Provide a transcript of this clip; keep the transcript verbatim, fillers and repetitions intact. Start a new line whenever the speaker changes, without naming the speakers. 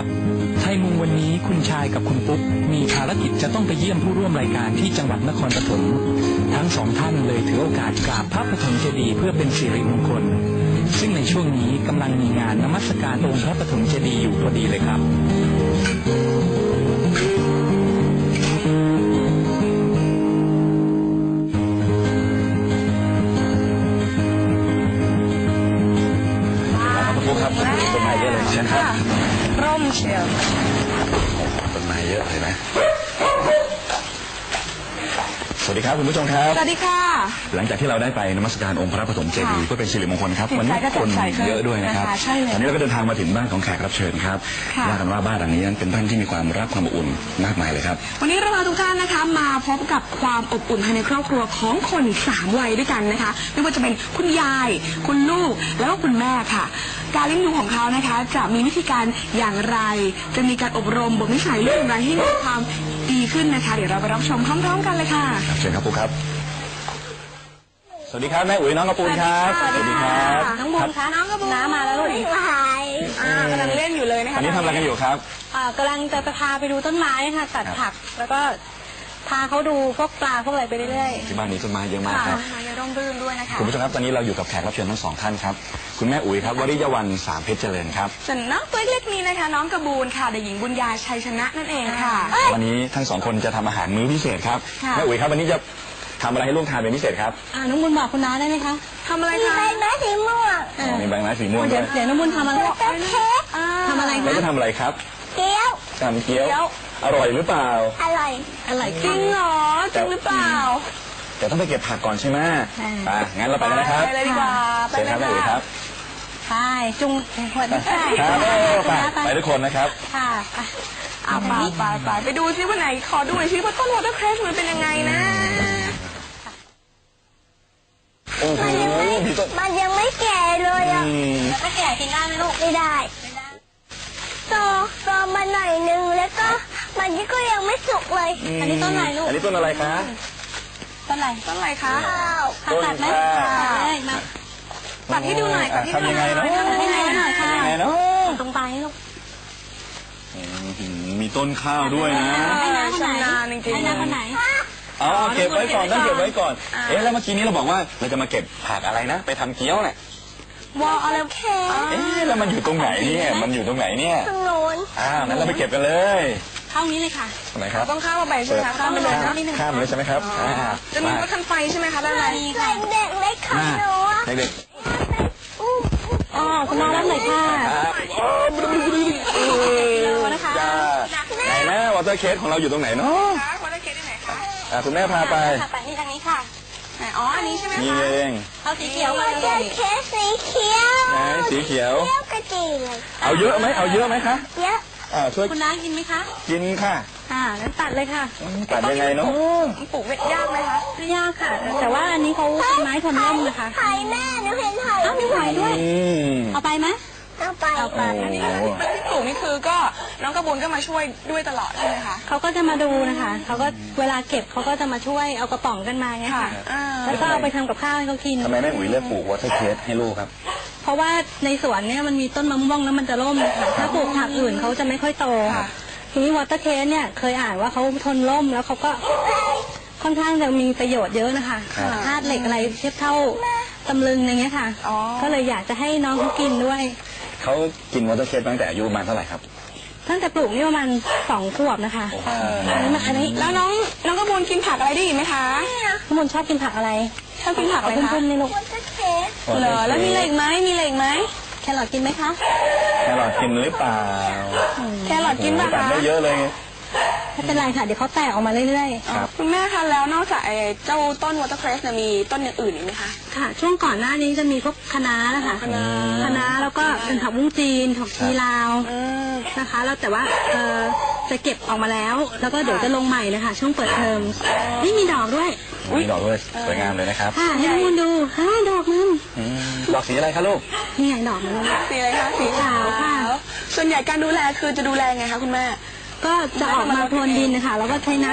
ครับไทยมุงวันนี้คุณชายกับคุณปุ๊กมีภารกิจจะต้องไปเยี่ยมผู้ร่วมรายการที่จังหวัดนครปฐมทั้งสองท่านเลยถือโอกาสกราบพระปฐมเจดีย์เพื่อเป็นสิริมงคลซึ่งในช่วงนี้กำลังมีงานนมัสการองค์พระปฐมเจดีย์อยู่พอดีเลยครับ
ต้นไม้เยอะเลยใช่ไหมครับ
ร่มเชียว
ต้นไม้เยอะเลยนะสวัสดีครับคุณผู้ชมครับ
สวัสดีค่ะ
หลังจากที่เราได้ไปนมัสการองค์พระปฐมเจดีย์เพื่อเป็นสิริมงคลครับวันนี้คนเยอะด้วยนะครับตอนนี้เราก็เดินทางมาถึงบ้านของแขกรับเชิญครับว่ากันว่าบ้านหลังนี้นั้นเป็นบ้านที่มีความรักความอบอุ่นมากมายเลยครับ
วันนี้เราพาทุกท่านนะคะมาพบกับความอบอุ่นภายในครอบครัวของคนสามวัยด้วยกันนะคะไม่ว่าจะเป็นคุณยายคุณลูกแล้วก็คุณแม่ค่ะการเลี้ยงดูของเขานะคะจะมีวิธีการอย่างไรจะมีการอบรมบ่มนิสัยลูกอย่างไรให้มีความดีขึ้นนะคะเดี๋ยวเราไปรับชมพร้อมๆกันเลยค่ะ
เชิญครับปุ๊กครับสวัสดีครับแม่อุ๋ยน้องกระปูนครับ
สวัสดีครับ
น้องบุญคะน้องกระปูนน้ามาแล้วลูก
กำลังเล่นอยู่เลยนะคะ
อันนี้ทำอะไรกันอยู่ครับ
กำลังจะพาไปดูต้นไม้ค่ะตัดผักแล้วก็พาเขาดูพวกปลาพวกอะไรไปเรื่อย
ๆที่บ้านนี้ต้นไม้เยอะมากครับ
ต้นไม้ร่มรื่นด้วยนะคะ
คุณผู้ชมครับตอนนี้เราอยู่กับแขกรับเชิญทั้งสองท่านครับคุณแม่อุ๋ยครับวริยวรรณสามเพชรเจริญครับ
ส่วนน้องตัวเล็กนี้นะคะน้องกระบูนค่ะเด็กหญิงบุญญาชัยชนะนั่นเองค่ะ
วันนี้ทั้งสองคนจะทำอาหารมื้อพิเศษครับแม่อุ๋ยครับวันนี้จะทำอะไรให้ลูกทานเป็นพิเศษครับ
อ่าน้องบุญบอกคุณน้าได้ไหมคะ
ทำอะไรคะ
มีใบไม้สีม่วง
มีใบไม้สีม่วง
เดี๋ยวเดี๋ยวน้องบุญทำอะไรทำอะไรคะ
แล้วจะทำอะไรครับ
เกี๊ยว
ทำเกี๊ยวอร่อยหรือเปล่า
อร่อยอร่อย
จริงเหรอจริงหรือเปล่า
แต่ต้องไปเก็บผักก่อนใช่ไหมอ่างั้นเราไปกันนะครับ
ไปเลยดีกว่า
ไปเลยครับ
ไปจุงคน
ไปไปทุกคนนะครับ
ค่ะ
เอาไปไปไปไปดูซิว่าไหนขอดูหน่อยซิว่าต้นวอเตอร์เครสมันเป็นยังไงนะ
โอ้โห
มันยังไม่แก่เลยอ่ะไม่แก่กินได้ไหมลูกไม่ได้โตโตมาหน่อยนึงแล้วก็มันก็ยังไม่สุกเลยอันนี้ต้นอะไรลูก
อันนี้ต้นอะไรคะ
ต้นอะไร
ต้นอะไรคะ
ต้น
ตัดไหมมา
ตัดให้ดูหน่อยตัดให้ดูหน่อย
ทำยังไงเนาะ
ทำยังไงเนาะตรงปลายลูก
มีต้นข้าวด้วยนะ
ให้น้าคนไหนให้น้าคนไหน
อ๋อเก็บไว้ก่อนต้องเก็บไว้ก่อนเอ๊ะแล้วเมื่อกี้นี้เราบอกว่าเราจะมาเก็บผักอะไรนะไปทำเกี๊ยวเนี่
ยวอลอะไรแค่
เอ๊ะแล้วมันอยู่ตรงไหนเนี่ยมันอยู่ตรงไหนเนี่ย
ตรงโน้น
อ่างั้นเราไปเก็บกันเลย
เข้านี้เลยค่ะ
ตรงไหนครับ
ต้องข้ามมาไปใช่ไหมคะข้ามไปเลยนะ
ข้ามเลยใช่ไหมครับ
จะมีรถคันไฟใช่ไหมคะด้านใน
เด็กเล็กขับหนู
เด็ก
อ๋อคุณน้ารับหน่อยค่ะ
นะคะไหนแม่วอเตอร์เคสของเราอยู่ตรงไหนเนาะ
วอเตอร์เคสที่ไหนคะ
อ่าคุณแม่พาไป
ไปที่ทางนี้ค่ะ
อ๋ออันนี้ใช่ไหมคะ
นี่เอง
เอาสีเขียวมาเลย
เคสสีเขียวไหนสีเขียว
กระจีเลย
เอาเยอะไหมเอาเยอะไหมคะ
เยอะ
อ่าช่วย
คุณน้ากินไหมคะ
กินค่ะ
อ่างั้นตัดเลยค่ะ
ตัดยังไงเนาะ
ปลูกยากไหมคะ
ไม่ยากค่ะแต่ว่าอันนี้เขาเป็นไม้ทนร่มนะคะ
ไผ่
แม่หนูเห็นไผ่อ้าวมีไผ่ด้วยเอาไปไหมเอาไป
เอาไปอันนี้ที่ปลูกนี่คือก็น้องกระบุนก็มาช่วยด้วยตลอดใช่ไหมคะ
เขาก็จะมาดูนะคะเขาก็เวลาเก็บเขาก็จะมาช่วยเอากระป๋องกันมาไงค่ะแล้วก็เอาไปทำกับข้าวให้เขากิน
ทำไมแม่อุ๋ยเลือกปลูกวอเตอร์เคสให้ลูกครับ
เพราะว่าในสวนเนี่ยมันมีต้นมะม่วงแล้วมันจะร่มค่ะถ้าปลูกผักอื่นเขาจะไม่ค่อยโตทีนี้วอเตอร์เคสเนี่ยเคยอ่านว่าเขาทนร่มแล้วเขาก็ค่อนข้างจะมีประโยชน์เยอะนะคะธาตุเหล็กอะไรเทียบเท่าตำลึงอย่างเงี้ยค่ะก็เลยอยากจะให้น้องเขากินด้วย
เขากินวอเตอร์เคสตั้งแต่อายุประมาณเท่าไหร่ครับ
ตั้งแต่ปลูกนี่ประมาณสองขวบนะคะ
อันนี้อันนี้แล้วน้องน้องกระบุนกินผักอะไรได้อีกไหมคะ
กระบุนชอบกินผักอะไร
ชอบกินผักอะไรคะ
เพื่อนๆในลูก
เหรอแล้วมีอะไรอีกไหมมีอะไรอีกไหม
แครอทกินไหมคะ
แครอทกินหรือเปล่า
แครอทกินป่ะคะ
ได้เยอะเลย
ไม่เป็นไรค่ะเดี๋ยวเขาแตกออกมาเรื่อย
ๆคุณแม่คะแล้วนอกจากเจ้าต้นวอเตอร์เครสเนี่ยมีต้นอย่างอื่นอีกไหมคะ
ค่ะช่วงก่อนหน้านี้จะมีพวกคะน้านะคะ
คะน้า
คะน้าแล้วก็เป็นผักบุ้งจีนผักชีลาวนะคะแล้วแต่ว่าเออจะเก็บออกมาแล้วแล้วก็เดี๋ยวจะลงใหม่นะคะช่วงเปิดเทอมนี่มีดอกด้วย
มีดอกด้วยสวยงามเลยนะครับ
ค่ะให้ทุกคนดูฮ่าดอกนึง
ดอกสีอะไรคะลูก
นี่ไงดอกมัน
สีอะไรคะสีขาวค่ะส่วนใหญ่การดูแลคือจะดูแลไงคะคุณแม่
ก็จะออกมาพรวนดินนะคะแล้วก็ใช้น้ำ